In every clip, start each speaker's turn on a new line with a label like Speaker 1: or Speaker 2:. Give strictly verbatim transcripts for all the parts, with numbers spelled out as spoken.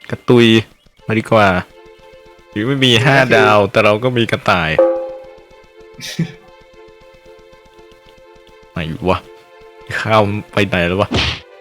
Speaker 1: กระตุยมาดีกว่าถึงไม่มีห้าดาวแต่เราก็มีกระต่ายไหนวะข้าวไปไหนแล้ววะ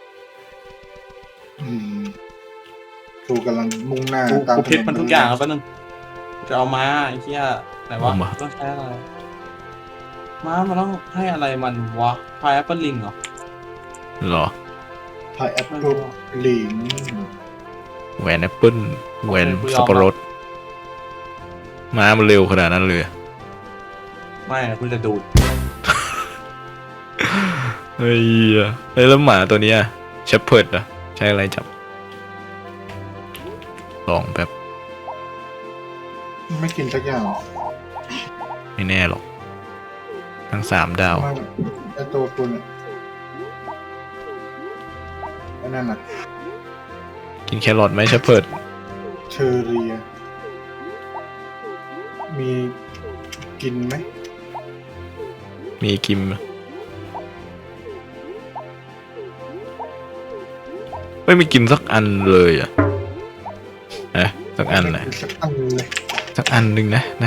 Speaker 2: กูกำลังมุ่งหน้า
Speaker 3: กู
Speaker 2: ตาม
Speaker 3: กูคิดมันทุกอย่างแล้วแป๊บนึงจะเอาม้าไอ้เหี้ยไหนวะต้องใช้อะไรม้ามันต้องให้อะไรมันวะพายแอปเปิลลิงเหรอ
Speaker 1: หรอ
Speaker 2: พายแอปเปิลลิง
Speaker 1: แหวนแอปเปิลแหวนสับปะรดม้ามันเร็วขนาดนั้นเลย
Speaker 3: ไม่นะคุณจะดูด
Speaker 1: เฮ้ยเฮ้ยแล้วหมาตัวเนี้ยเชฟเพิร์ดอะใช้อะไรจับลองแบบ
Speaker 2: ไม่กินสักอย่าง
Speaker 1: ไม่แน่หรอกทั้งสามดาว
Speaker 2: ไม่ไอตัวคุณอะไอ้นั่นน่ะ
Speaker 1: กินแครอทไหมเชฟเพิร์ด
Speaker 2: เชอเรีย มีกินไหม
Speaker 1: มีกิมไม่มีกินสักอันเลยอ่ะเอ๊ะสักอันนะ
Speaker 2: สักอันเลย
Speaker 1: สักอันหนึ่งนะนะ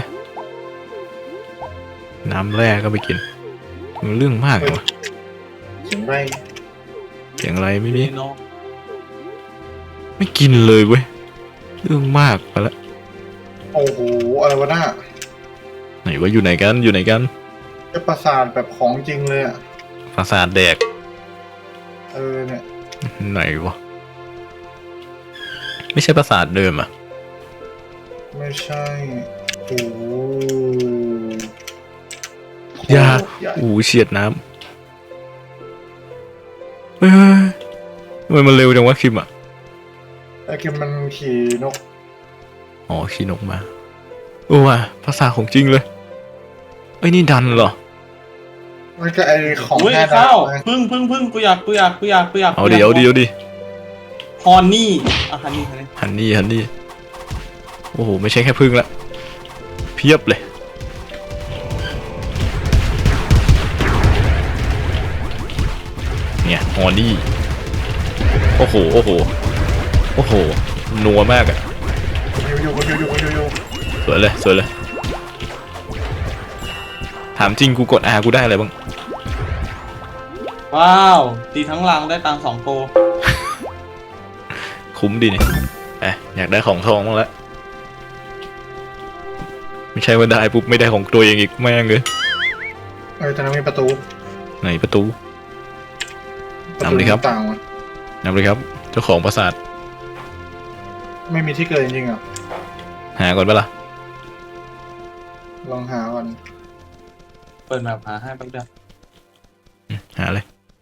Speaker 1: น้ำแร่ก็ไปกินมันเรื่องมากเลยวะ
Speaker 2: เสียงไร
Speaker 1: เสียงอะไรไม่มี
Speaker 3: นี่เนาะ
Speaker 1: ไม่กินเลยเว้ยเรื่องมากไปละ
Speaker 2: โอ้โหอะไรวะน่า
Speaker 1: ไหนว่าอยู่ไหนกันอยู่ไหนกัน
Speaker 2: จะประสาทแบบของจริงเลยอ่ะ
Speaker 1: ปราสาทแดก
Speaker 2: เออเนี่ย
Speaker 1: ไหนวะไม่ใช่ปราสาทเดิมอ่ะ
Speaker 2: ไม่ใช่โอ้โห
Speaker 1: ยา
Speaker 2: ใหญ่
Speaker 1: อู้เฉียดน้ำเฮ้ยทำไมมันเร็วจังวะคิมอ่ะ
Speaker 2: ไอ้กิมมันขี่นก
Speaker 1: อ๋อขี่นกมาโอ้ว่ะภาษาของจริงเลยไอ้ยนี่ดันเหรอ
Speaker 2: มันก็ไอของ
Speaker 3: อุ้ย
Speaker 2: ห้าดา
Speaker 3: ข้าว
Speaker 2: วไง
Speaker 3: พึ่งพึ่งพึ่งกูอยากกูอยากกูอยากกูอยาก
Speaker 1: เอาดิเอาดิเอาดิ
Speaker 3: ฮอนนี่อ่ะฮันนี่ฮันนี่
Speaker 1: ฮันนี่ฮันนี่โอ้โหไม่ใช่แค่พึ่งละเพียบเลยเนี่ยฮอนนี่โอ้โหโอ้โหโอ้โหนัวมากอะ
Speaker 2: อยู่อยู่อยู่อยู่อยู่อยู่
Speaker 1: สวยเลยสวยเลยถามจริงกูกด R กูได้อะไรบ้าง
Speaker 3: ว้าวตีทั้งรังได้ตังค์สองโก
Speaker 1: คุ้มดีนี่เอ๊ะอยากได้ของทองบ้างแล้วไม่ใช่ว่าได้ปุ๊บไม่ได้ของตัวเองอีกแม่งเลย
Speaker 2: เออตอนนั้นมีประตู
Speaker 1: ไหนประตู
Speaker 2: ประตู
Speaker 1: นำเลยครับ
Speaker 2: ต่างๆวะ
Speaker 1: นำเลยครับเจ้าของปราสาท
Speaker 2: ไม่มีที่เกิดจริงๆอ่ะ
Speaker 1: หาก่อนปะล่ะ
Speaker 2: ลองหาก่อน
Speaker 3: เปิดแบบหาให้แป๊บเดียว
Speaker 1: หาเลย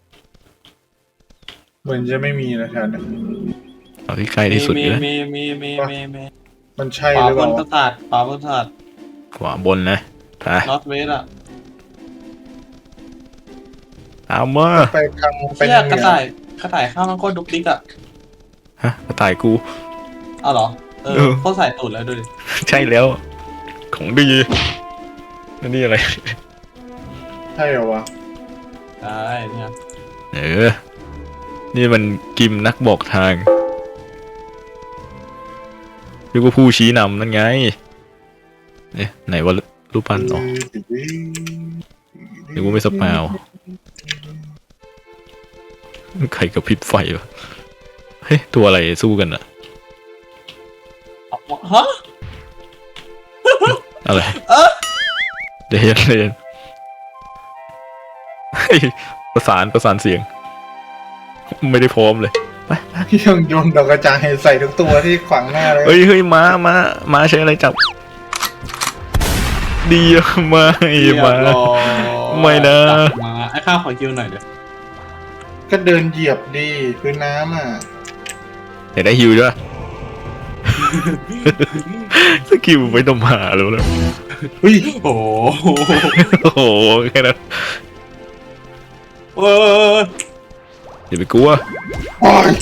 Speaker 2: เหมือนจะไม่มีนะแถวนี้
Speaker 1: เอาที่ใกล้ที่สุด
Speaker 3: มี
Speaker 1: เลยนะ
Speaker 3: มีมีมีมีมี
Speaker 2: มันใช่
Speaker 3: ขวา
Speaker 2: หรือบ เป
Speaker 3: น
Speaker 2: ล่า
Speaker 3: ประสาทขวาบนประสาท
Speaker 1: ขวาบนนะไป
Speaker 3: นอตเวสอะ
Speaker 1: เอามา
Speaker 2: ไปทางไป
Speaker 3: เชี่ย
Speaker 2: ทางเห
Speaker 3: กระ
Speaker 2: นือ
Speaker 3: ต่ายกระต่ายข้าวมันโคตรดุกดิกอะ
Speaker 1: ฮะกระต่ายกู
Speaker 3: อ้าวเหรอเอ
Speaker 1: เอ
Speaker 3: อ
Speaker 1: อ
Speaker 3: โคตรใส่ตูดแล้วดูดิ
Speaker 1: ใช่แล้ว ของดีนั่นนี่อะไร
Speaker 2: ใช่เหรอวะ
Speaker 3: ได้เนี่ย
Speaker 1: เออ นี่มันกิมนักบอกทางเรียกว่าผู้ชี้นำนั่นไงเอ๊ะไหนว่ารูปปั้นอ๋อเรียกว่าไม่สปาวใครกับพริบไฟวะเฮ้ยตัวอะไรสู้กันอะ
Speaker 3: ฮะ
Speaker 1: อะไร
Speaker 3: เออ
Speaker 1: เดี๋ยวเย็นเดี๋ยวเย็นเฮ้ยประสานประสานเสียง ไม่ได้พร้อมเลย
Speaker 2: ยังโยนดอกกระจายใส่ทุกตัวที่ขวางหน้าเลย
Speaker 1: เฮ้ยเฮ้ยม้าม้าม้าใช้อะไรจับ ดีอะไม่
Speaker 3: เรียบ
Speaker 1: มา
Speaker 3: ร้อย
Speaker 1: ไม่นะ
Speaker 3: กลับมาไอ้ข้าวขอคิวหน่อยเดี๋ยว
Speaker 2: ก็เดินเหยียบดีพื้นน้ำอ่ะ
Speaker 1: อยากได้ฮิวด้วย สกิลไม่ต้องมาแล้วนะ
Speaker 2: เฮ้ย
Speaker 3: โอ้โห
Speaker 1: โอ้โหแค่นั้น
Speaker 3: เออ
Speaker 1: อย่าไปกลัว
Speaker 2: โอ้ย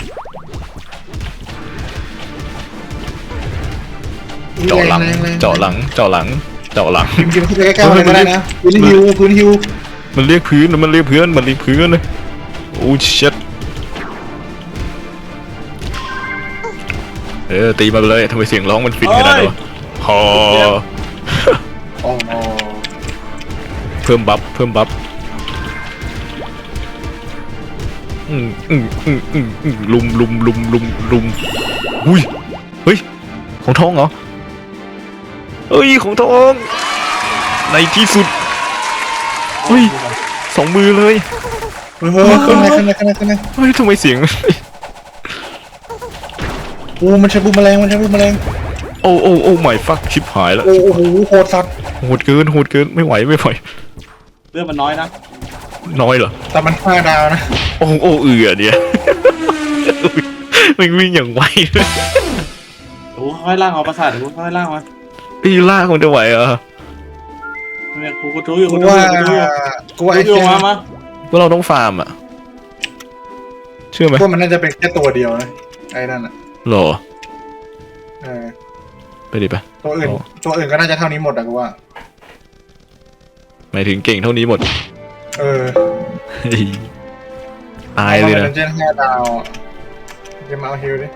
Speaker 1: เจาะหลัง
Speaker 2: แรงแรง
Speaker 1: เจาะหลังเจาะหลังเจาะหลัง
Speaker 2: กินกินเข้าไปใกล้ๆเลยก็ได้นะพื้นฮิวพื้นฮิว
Speaker 1: มันเรียกพื้นมันเรียกพื้นมันเรียกพื้นเลยโอ้ชิตเอออตีมาเลยทำไมเสียงร้องมันฟินขนาดนั้นวะพอ
Speaker 2: โอ้โห
Speaker 1: เพิ่มบัฟเพิ่มบัฟอืมอืมอืมอืมอืมลุมลุมลุมลุมลุมอุ้ยเฮ้ยของทองเหรอเฮ้ยของทองในที่สุดเฮ้ยสองมือเลย
Speaker 2: เฮ้ยขึ้นเลยขึ้นเลยขึ้นเลยขึ้นเลย
Speaker 1: เฮ้ยทำไมเสียง
Speaker 2: อูมันใช้บูมแมลงมันใช้บูมแมลง
Speaker 1: โอ้โอ้โอ้ไม่ฟักชิบหายแล้ว
Speaker 2: โอ้โหโหดสัตว์
Speaker 1: โหดเกินโหดเกินไม่ไหวไม่ไหว
Speaker 3: เลือดมันน้อยนะ
Speaker 1: น้อยเหรอ
Speaker 2: แต่มันห้าดาวนะ
Speaker 1: โอ้โอ้เอือเนี่ย มันวิ่งอย่างไวเลย
Speaker 3: เดี๋ยวกูค่อยล่างเอาประสาทเดี๋ยวกูค่อยล่างมา
Speaker 1: อีล่ากมันจะไหวเหรอ
Speaker 3: เนี่ยกูกูรู้อยู่
Speaker 2: กู
Speaker 3: กูรู้
Speaker 2: ว่า
Speaker 3: อยู่กูรู้อยู่
Speaker 2: กูว่า
Speaker 3: กู
Speaker 2: ไอ้
Speaker 3: รู้อ
Speaker 2: เชี่
Speaker 3: ยู่
Speaker 2: ย
Speaker 3: มามา
Speaker 1: ว่าเราต้องฟาร์มอ่ะเชื่อไหม
Speaker 2: กูว่ามันน่าจะเป็นแค่ตัวเดียวนะไอ้นั่นอ่ะ
Speaker 1: หรอ
Speaker 2: เออ
Speaker 1: ไปดิไป
Speaker 2: ตัวอื่นตัวอื่นก็น่าจะเท่านี้หมดอะกูว่า
Speaker 1: หมายถึงเก่งเท่านี้หมด
Speaker 2: เออ
Speaker 1: เฮ้ยตายเลย
Speaker 2: นะ
Speaker 1: นะ
Speaker 2: เจนห้าดาวอะจะมาเอาฮิวดิ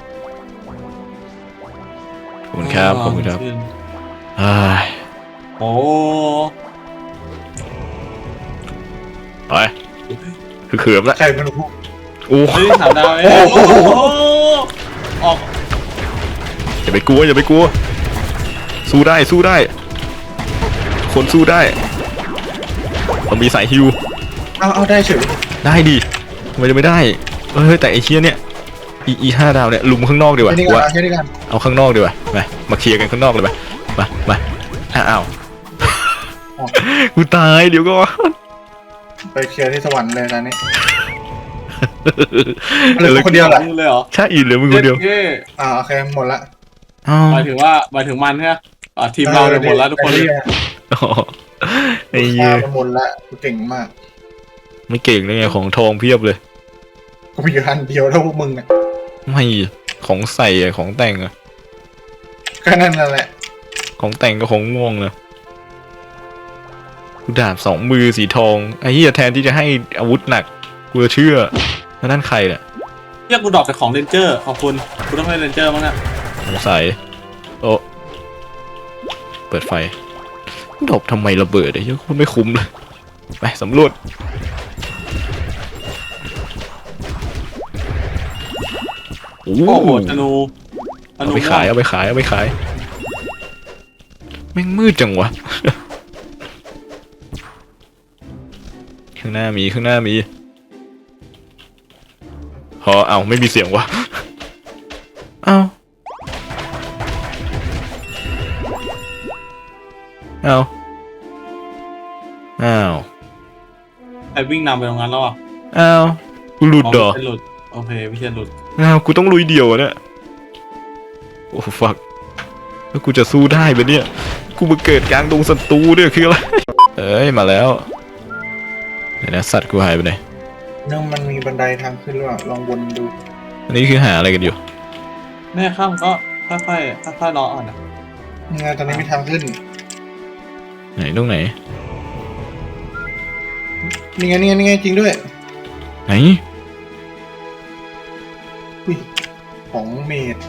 Speaker 1: ขอบคุณครับขอบคุณครับอ้าย
Speaker 3: โอ้
Speaker 1: ไปคือเขือมละ
Speaker 2: ใครเป็นผู้
Speaker 1: โอ้
Speaker 3: เฮ้ยสามดาวเองโอ้โหออก
Speaker 1: อย่าไปกลัวอย่าไปกลัวสู้ได้สู้ได้ คนสู้ได้ต้องมีสายฮิว
Speaker 2: เอาเอาได้เฉย
Speaker 1: ได้ดิทำไมจะไม่ได้เฮ้ยแต่ไอ้เชี่ยเนี่ยอีอีห้าดาวเนี่ยลุมข้างนอกดีกว่า
Speaker 2: แค่นี้
Speaker 1: กู
Speaker 2: กัน
Speaker 1: ว่า
Speaker 2: แค่นี้กัน
Speaker 1: เอาข้างนอกดีกว่ามามาเคลียร์กันข้างนอกเลยไปมามาอ้าวกูตายเดี๋ยวก็
Speaker 2: ไปเคลียร์ที่สวรรค์เลยตอนนี้เหลือคนเดียวแหละ
Speaker 3: มึงเลยเหรอ
Speaker 1: ใช่อีเหลือมึงคนเดียว
Speaker 3: เย้
Speaker 2: อ่าโอเคหมดละ
Speaker 1: อ้าว
Speaker 3: หมายถึงว่าหมายถึงมันใช่ไหมอ่าทีมเราเนี่ยหมดแล้วทุกคนเลย
Speaker 1: อ๋อไอ้
Speaker 2: ไอ้
Speaker 1: เหี้
Speaker 2: เหี้
Speaker 1: ย
Speaker 2: ยหมดละกูเก่งมาก
Speaker 1: ไม่เก่งเลยไงของทองเพียบเลย
Speaker 2: กูมีอยู่อันเดียวเท่าพวกมึงอ่ะ
Speaker 1: ไม่ของใส่อะของแต่งอะ
Speaker 2: ก็นั่นนั่นแหละ
Speaker 1: ของแต่งก็ของม่วงนะกูดาบสองมือสีทองไอ้เหี้ยแทนที่จะให้อาวุธหนักกูจะเชื่อแล้วนั่นใครเนี่ย
Speaker 3: เรียกกูดรอปจากของเรนเจอร์ขอบคุณกูต้องเล่นเรนเจอร์มั้งเนี่ย
Speaker 1: สงสัยโอ้เปิดไฟดบทำไมระเบิดไอ้เหี้ยโคตรไม่คุ้มเลยไปสำรวจโอ้
Speaker 3: โอ้โห
Speaker 1: โห
Speaker 3: ธนูธ
Speaker 1: เอา
Speaker 3: นู
Speaker 1: ไปขายเอาไปขายเอาไปขายแม่งมืดจังวะ ข้างหน้ามีข้างหน้ามีพอเอาไม่มีเสียงวะเอาเอาอ้าว
Speaker 3: ไอ้วิ่งนำไปตรงนั้นแล้วอ่ะ
Speaker 1: อ้าวกูหลุดเหรอ
Speaker 3: ไม่ใช่หลุดโอเคไม่ใช่หลุด
Speaker 1: อ้าวกูต้องลุยเดี่ยวอะเนี่ยโอ้ฟักแล้วกูจะสู้ได้ปะเนี่ยกูมาเกิดกลางดงศัตรูเนี่ยคืออะไรเอ้ยมาแล้วเดี๋ยวนะสัตว์กูหายไปไหน
Speaker 2: เนื่องมันมีบันไดทางขึ้นหรือเปล่าลองวนดู
Speaker 1: อันนี้คือหาอะไรกันอยู่
Speaker 3: แม่ข้ามก็ค่อยๆค่อยๆรออ่อนนะ
Speaker 2: ยังไงตอนนี้มีทางขึ้น
Speaker 1: ไหนตรงไหน
Speaker 2: นี่ไงนี่ไงนี่ไงจริงด้วย
Speaker 1: ไหน
Speaker 2: อุ้ยของเมด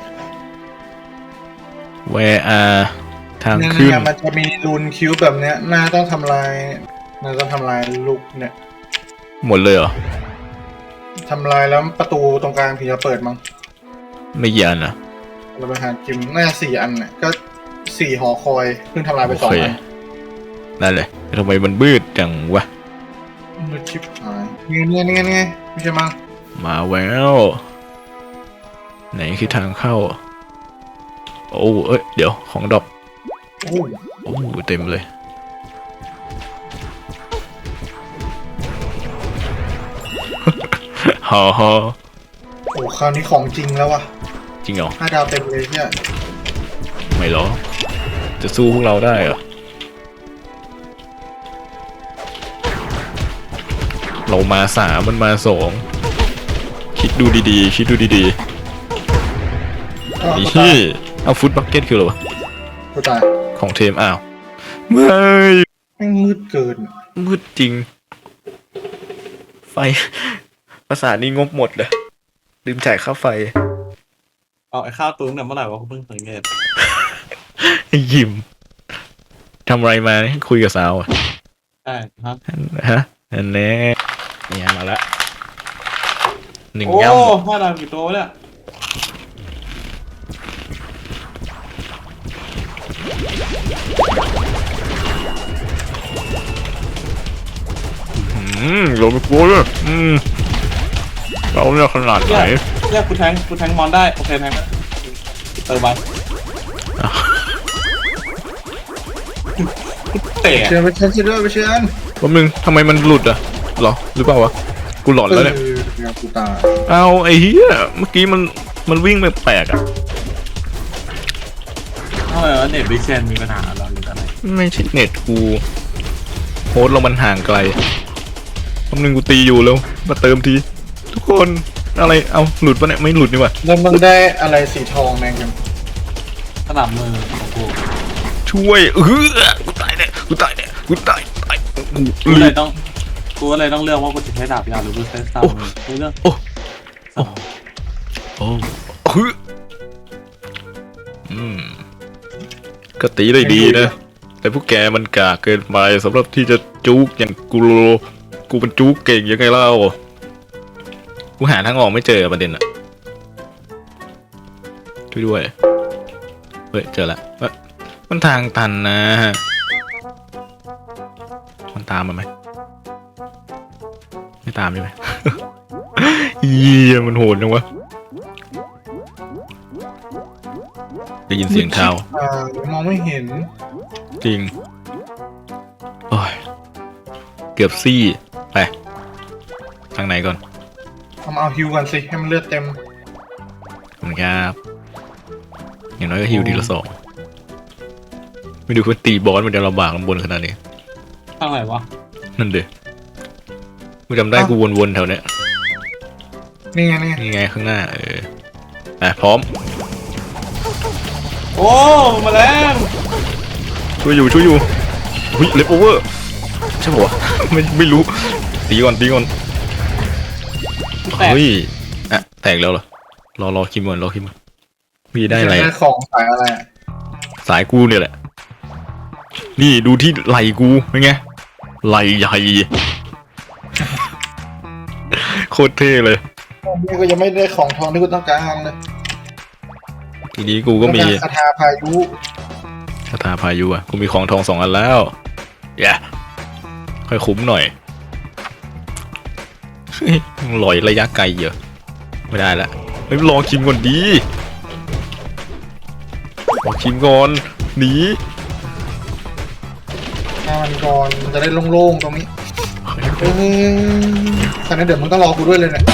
Speaker 1: where are ทาง
Speaker 2: เนี่ย
Speaker 1: ขึ้น
Speaker 2: เนี่ยมันจะมีรูนคิวแบบเนี้ยน่าต้องทำลายน่าต้องทำลายลูกเนี่ย
Speaker 1: หมดเลยเหรอ
Speaker 2: ทำลายแล้วประตูตรงกลางถึงจะเปิดมั้ง
Speaker 1: ไม่กี่อันอ่ะ
Speaker 2: เราไปหาจิมน่าจะสี่อันน่ะก็สี่หอคอยเพิ่งทำลายไป
Speaker 1: โอ
Speaker 2: สอง
Speaker 1: เค
Speaker 2: อัน
Speaker 1: นั่นแหละทำไมมันมืดจังวะ
Speaker 2: มือชิปหายนี่ไงนี่ไงนี่ไงไม่ใช่มั้ง
Speaker 1: มาแล้วไหนคือทางเข้า โอ้เอ้ยเดี๋ยวของดอก
Speaker 2: โอ้ย
Speaker 1: โอ้เต็มเลย ฮ่าฮ่า
Speaker 2: โอ้คราวนี้ของจริงแล้ววะ
Speaker 1: จริงเหรอ
Speaker 2: ห้าดาวเต็มเลยเนี่ย
Speaker 1: ไม่หรอ จะสู้พวกเราได้เหรอ เรามาสามมันมาสองคิดดูดีๆ คิดดูดี
Speaker 2: อ้าว
Speaker 1: ๆ
Speaker 2: กู
Speaker 1: นี่
Speaker 2: ตาย
Speaker 1: เอาฟุตบักเก็ตคืออะไรวะ
Speaker 2: กูตาย
Speaker 1: ของเทมอ้าวไม่
Speaker 2: แม่งมืดเกิน
Speaker 1: มืดจริง ไฟ ภาษาทนี้งบหมดเลยลืมจ่ายค่าไฟ
Speaker 3: เอาไอ้ข้าวตุ้งเนี่ยเมื่อไหร่วะกูเพิ่งสังเกต
Speaker 1: ไอ้ยิมทำอะไรมาเนี่ยคุยกับสาวอะ
Speaker 3: ใช่ฮะ
Speaker 1: ฮะอันนี้เนี่ยมาละหนึ่ง
Speaker 3: โอ้
Speaker 1: ย่
Speaker 3: ห้าดาวกี่ตัวเนี่ย
Speaker 1: ำอืมโดนไปกลัวเลยอืมเราเนี่ยขนาดไหน
Speaker 3: เนี่ยกูแทงกูแทงมอนได้โอเคแทงเติมไปเตะ
Speaker 2: เชิญไปเชิญเชิญด้วยไปเชิญ
Speaker 1: แป๊บนึงทำไมมันหลุดอ่ะเหรอหรือเปล่าวะกูหลอนแล้วเนี่ย
Speaker 2: ออเนี่ยกูตาย
Speaker 1: เอาไอ้เหี้ยเมื่อกี้มันมันวิ่งแปลกๆอ่ะ
Speaker 3: ทำไมวะเน็ตวิเชนมีปัญหาเหรอหรืออะไร
Speaker 1: ไม่ใช่เน็ตกูโฮสต์เรามันห่างไกลแป๊บนึงกูตีอยู่แล้วมาเติมทีทุกคนอะไรเอาหลุดปะเนี่ยไม่หลุดนี่หว่า
Speaker 2: แล้วมึงได้อะไรสีทองแมงกัน
Speaker 3: สนับมือของกู
Speaker 1: ช่วยเออกูตายเนี่ยกูตายเนี่ยกูตายตาย
Speaker 3: กูเลยต้องกูก็เลยต้องเลือกว่ากูจะใช้ดาบยาวหรือกูใช้สนับมือกูเลือก
Speaker 1: โอ้โอ้โอ้เฮ้ยอืมก็ตีได้ดีนะแต่พวกแกมันกากเกินไปสำหรับที่จะจุกอย่างกูโลกูเป็นจุกเก่งยังไงเล่ากูหาทางออกไม่เจอประเด็นอะช่วยด้วยเฮ้ยเจอละเอ้ยมันทางตันนะมันตามมาไหมไม่ตามใช่ไหม เยี่ยมันโหดจังวะได้ยินเสียงเท้า
Speaker 2: อ่ามองไม่เห็น
Speaker 1: จริงโอ้ยเกือบซี่ไปทางไหนก่อน
Speaker 2: ทำเอาฮิวกันสิให้มันเลือดเต็ม
Speaker 1: ขอบคุณครับอย่างน้อยก็ฮิวดีละสองไม่ดูคนตีบอสมันจะลำบากลำบนขนาดนี้
Speaker 3: ทางไหนวะ
Speaker 1: นั่นเด้กูจำได้กูวนๆแถวเนี้ย
Speaker 2: นี่ไงนี่ไง
Speaker 1: นี่ไงข้างหน้าเอออ่ะพร้อม
Speaker 3: โอ้มาแล้ว
Speaker 1: ช่วยอยู่ช่วยอยู่หุ้ยเลฟโอเวอร์ใช่ปะวะ ไม่ไม่รู้ตีก่อนตีก่อน
Speaker 3: แตก
Speaker 1: เฮ้ยอ่ะแตกแล้วเหรอรอรอคิมก่อนรอคิมก่อนมีได้อะไร
Speaker 2: ได้
Speaker 1: อะ
Speaker 2: ของสายอะไรอะ
Speaker 1: สายกูเนี่ยแหละ นี่ดูที่ไหลกูเป็นไงไหลใหญ่ โคตรเท่เลย
Speaker 2: นี่ก็ยังไม่ได้ของทองที่กูต้องการเลย
Speaker 1: ทีนี้กูก็มี
Speaker 2: ต้องารคาถาพายุ
Speaker 1: คาถาพายุอ่ะกูมีของทองสองอันแล้วแย่ค่อยคุ้มหน่อยเฮ้ยลอยระยะไกลเยอะไม่ได้ละเฮ้ยรอคิมก่อนดีรอคิมก่อนหนี
Speaker 2: ถ้ามันก่อนมันจะได้โล่งๆตรงนี้เออตอนนี้เดี๋ยวมึงต้องรอกูด้วยเลยเนี่ย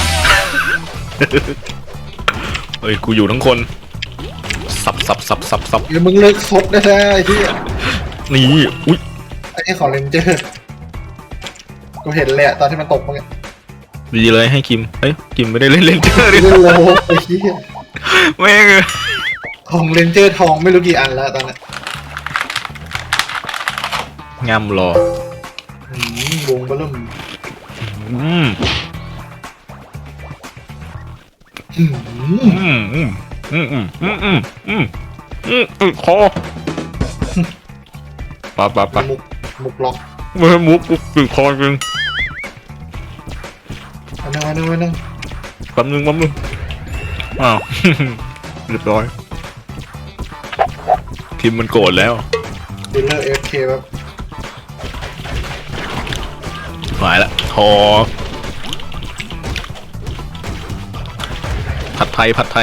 Speaker 1: เฮ้ยกูอยู่ทั้งคนสับสับสับสับสับ
Speaker 2: เดี๋ยวมึงเลิกซดได้แล้วไอ้ที่
Speaker 1: นี่อุ้ย
Speaker 2: ไอ้ที่ของเลนเจอร์กูเห็นเลยอะตอนที่มันตกเมื่อกี้
Speaker 1: ดีเลยให้คิมเอ้ยคิมไม่ได้เล่นเลนเจอร์ดิ
Speaker 2: เล่นโลไอ้ที่
Speaker 1: แม่งเอ้ย
Speaker 2: ของเลนเจอร์ทองไม่รู้กี่อันแล้วตอนนี้
Speaker 1: งามรอ
Speaker 2: อืมวงเบลุ่ม
Speaker 1: อืม
Speaker 2: อืม
Speaker 1: อืมอืมอืมอืมอืมอืมอืมอืมอืมคอปะปะปะ
Speaker 2: มุกมุกล็อก
Speaker 1: ไม่ให้มุกกูติดคอจริง
Speaker 2: อันนึงอันนึงอันนึง
Speaker 1: แป๊บนึงแป๊บนึงอ้าว เรียบร้อยคิมมันโกรธแล้ว
Speaker 2: ดีลเลอร์เอฟเคแบบ
Speaker 1: หายละทอผัดไทยผัดไทย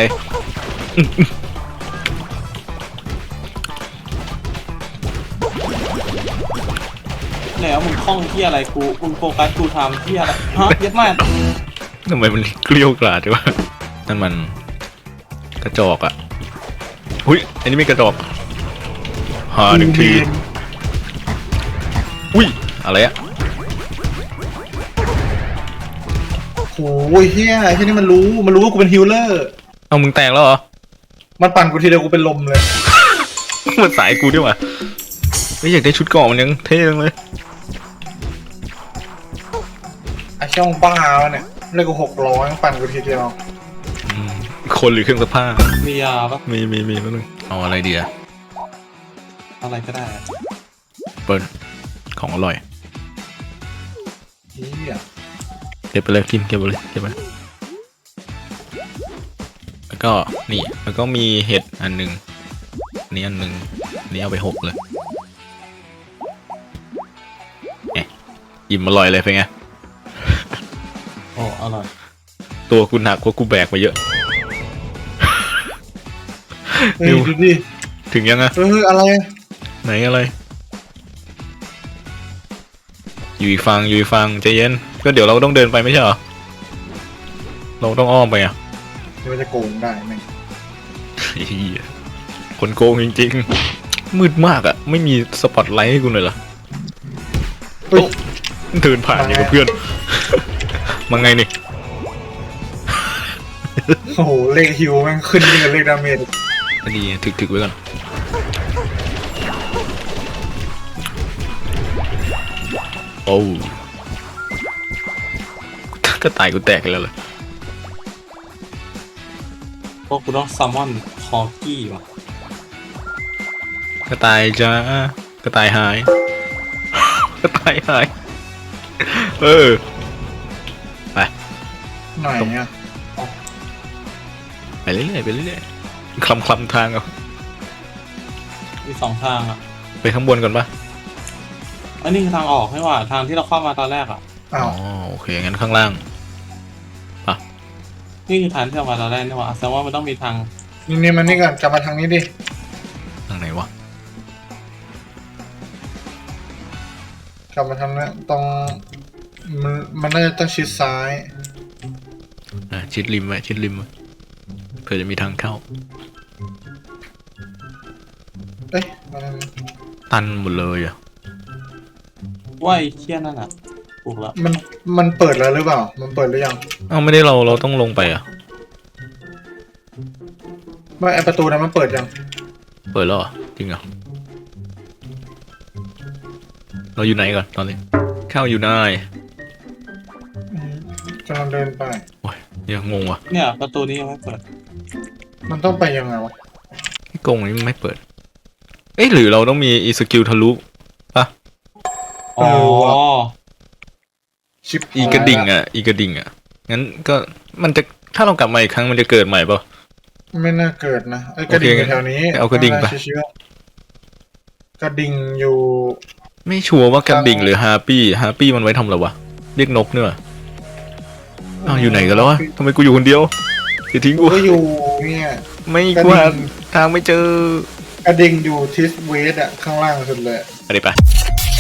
Speaker 3: แล้วมึงคล้องที่อะไรกูมึงโฟกัสกูทำที่อะไรฮะเย็ดมาก
Speaker 1: ทำไมมันเกลี้ยวกล่อมวะนั่นมันกระจอกอ่ะหุ้ยอันนี้ไม่กระจอกหาหนึ่งทีอุ้ยอะไรอะ
Speaker 2: โอ้ยเฮียไอ้ที่นี่มันรู้มันรู้ว่ากูเป็นฮิลเลอร์
Speaker 1: เอามึงแตกแล้วเหรอ
Speaker 2: มันปั่นกูทีเดียวกูเป็นลมเลย
Speaker 1: มันสายกูด้วยว่ะไม่อยากได้ชุดเกราะมันยังเท่จังเลย
Speaker 2: ไอ้ช่องบ้าวะเนี่ยเลยกูหกร้อยปั่นกูทีเดียว
Speaker 1: อืมคนหรือเครื่องซักผ้า
Speaker 3: มียาปะ
Speaker 1: มีมีมีแป๊บนึงเอาอะไรดีอะ
Speaker 3: อะไรก็ได้อะ
Speaker 1: เปิ้ลของอร่อย
Speaker 2: เฮีย
Speaker 1: เก็บไปเลยกินเก็บไปเลยเก็บไปแล้วก็นี่แล้วก็มีเห็ดอันหนึ่งอันนี้อันหนึ่งอันนี้เอาไปหกเลยเอ๊ะอิ่มอร่อยเลยเป็นไง
Speaker 3: โอ้อร่อย
Speaker 1: ตัวกูหนักกว่ากูแบกมาเยอะ
Speaker 2: เฮ้ยดูดิ
Speaker 1: ถึงยังอะ
Speaker 2: เฮ้ยอะไร
Speaker 1: ไหนอะไรอยู่อีกฝั่งอยู่อีกฝั่งใจเย็นก็เดี๋ยวเราต้องเดินไปไม่ใช่เหรอเราต้องอ้อมไปอ่ะ
Speaker 2: เดี๋ยวมันจะโกงได้ไหม
Speaker 1: เหี้ยคนโกงจริงๆมืดมากอ่ะไม่มีสปอตไลท์ให้กูเลยเหรอ
Speaker 2: เฮ้ย
Speaker 1: เดินผ่านอย่างกับเพื่อน มาไงนี่
Speaker 2: โอ้โหเลขฮิวแม่งขึ้นยิ่งกับเลขดาเมจ
Speaker 1: ก็ดีถึกถึกไว้ก่อนโอ้ก็ตายกูแตกแล้วเลย
Speaker 3: พวกกูต้องซัมมอนคอกี้ว่ะ
Speaker 1: ก็ตายจ้าก็ตายหาย ก็ตายหาย เออไป
Speaker 2: ไหนอ่ะ
Speaker 1: ไปเรื่อยๆไปเรื่อยๆคลำคลำทางเอา
Speaker 3: มีสองทางอ่ะ
Speaker 1: ไปข้างบนก่อนปะ
Speaker 3: อันนี้คือทางออกให้ว่าทางที่เราเข้ามาตอนแรกอ่ะ
Speaker 2: อ้า
Speaker 1: อ๋
Speaker 2: ว
Speaker 1: อโอเคงั้นข้างล่าง
Speaker 3: นี่คือทางที่เรามาตอนแรกนี่หว่าแสดงว่ามันต้องมีทาง
Speaker 2: นี่นี่มันนี่ก่อนกลับมาทางนี้ดิ
Speaker 1: ทางไหนวะ
Speaker 2: กลับมาทางนี้ตรงมันมันน่าจะต้องชิดซ้าย
Speaker 1: อ่ะชิดริมไว้ชิดริมไว้เผื่อจะมีทางเข้า
Speaker 2: เอ้ยมาทางนี้
Speaker 1: ตันหมดเลยอ่ะ
Speaker 3: ว่าไอ้เชี่ยนั่นอ่ะถูกแล้ว
Speaker 2: มันมันเปิดแล้วหรือเปล่า มันเปิดหรือยัง
Speaker 1: เอ้าไม่ได้เราเราต้องลงไปอ่ะ
Speaker 2: ไม่ไอประตูนั้นมันเปิดยัง
Speaker 1: เปิดแล้วเหรอจริงเหรอเราอยู่ไหนก่อนตอนนี้เข้าอยู่ไหน
Speaker 2: อืมกำลังเดินไป
Speaker 1: โอ้ยยังงงว่ะ
Speaker 3: เนี่ยประตูนี้ยังไม่เปิด
Speaker 2: มันต้องไปยังไงวะ
Speaker 1: ไอ้กรงนี้มันไม่เปิด เอ๊ะหรือเราต้องมีอีสกิลทะลุปะ
Speaker 3: อ๋อ
Speaker 2: ชิป
Speaker 1: อีกระดิ่งอ่ะอีกระดิ่งอ่ะงั้นก็มันจะถ้าเรากลับมาอีกครั้งมันจะเกิดใหม่ปะ
Speaker 2: ไม่น่าเกิดนะไอกระดิ่ง
Speaker 1: โอเค
Speaker 2: อยู่แถวนี้
Speaker 1: เอากระดิ่งไป
Speaker 2: เชื่อๆกระดิ่งอยู่
Speaker 1: ไม่ชัวร์ว่ากระดิ่งหรือฮาปี้ฮาปี้มันไว้ทำอะไรวะเรียกนกเนอะอ้าวอยู่ไหนกันแล้ววะทำไมกูอยู่คนเดียวจะทิ้ง
Speaker 2: กู
Speaker 1: กู
Speaker 2: ก็อยู่เนี่ย
Speaker 1: ไม่
Speaker 2: กระ
Speaker 1: ก
Speaker 2: ดิ่ง
Speaker 1: วาดทางไม่เจอก
Speaker 2: ระดิ่งอยู่ทิสเวสอะข้างล่างสุดเลย
Speaker 1: อะไรไป
Speaker 2: เ